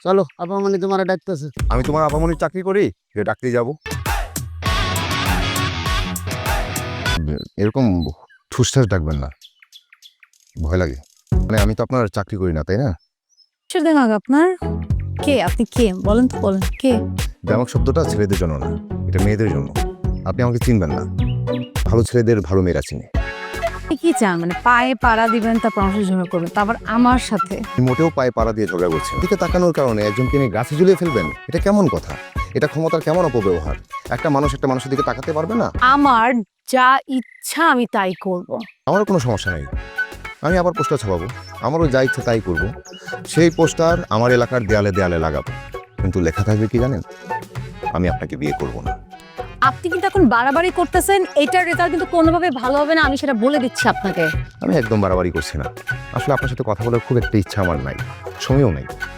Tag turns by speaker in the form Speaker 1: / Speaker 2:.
Speaker 1: চলো আপামনি তোমার ডাকতেছে।
Speaker 2: আমি তোমার আপামনির চাকরি করি যে ডাকতে যাব? এরকম ঠুসঠাস ডাকবেন না, ভয় লাগে। মানে আমি তো আপনার চাকরি করি না, তাই না?
Speaker 3: সেদিন আগে আপনার কে? আপনি কে বলেন তো, বলেন কে?
Speaker 2: ব্যামক শব্দটা ছেলেদের জন্য না, এটা মেয়েদের জন্য। আপনি আমাকে চিনবেন না, ভালো ছেলেদের ভালো মেয়েরা চিনে।
Speaker 3: আপনি কি চান মানে পায়ে পাড়া দিবেন তারপর আমার সাথে ঝগড়া করবেন, তারপর আমার সাথে?
Speaker 2: আপনি মোটেও পায়ে পাড়া দিয়ে ঝগড়া করছেন। দিকে তাকানোর কারণে একজনকে নিয়ে গাছে ঝুলিয়ে ফেলবেন, এটা কেমন কথা? এটা ক্ষমতার কেমন অপব্যবহার? একটা মানুষ একটা মানুষের দিকে তাকাতে পারবে না?
Speaker 3: আমার যা ইচ্ছা আমি তাই করব।
Speaker 2: আমারও কোনো সমস্যা নেই, আমি আবার পোস্টার ছাপাবো, আমারও যা ইচ্ছে তাই করব। সেই পোস্টার আমার এলাকার দেয়ালে দেয়ালে লাগাবো, কিন্তু লেখা থাকবে কি জানেন? আমি আপনাকে বিয়ে করব না।
Speaker 3: আপনি কিন্তু এখন বাড়াবাড়ি করতেছেন, এটার রেজাল্ট কিন্তু কোনোভাবে ভালো হবে না, আমি সেটা বলে দিচ্ছি আপনাকে।
Speaker 2: আমি একদম বাড়াবাড়ি করছি না, আসলে আপনার সাথে কথা বলার খুব একটা ইচ্ছা আমার নাই, সময়ও নাই।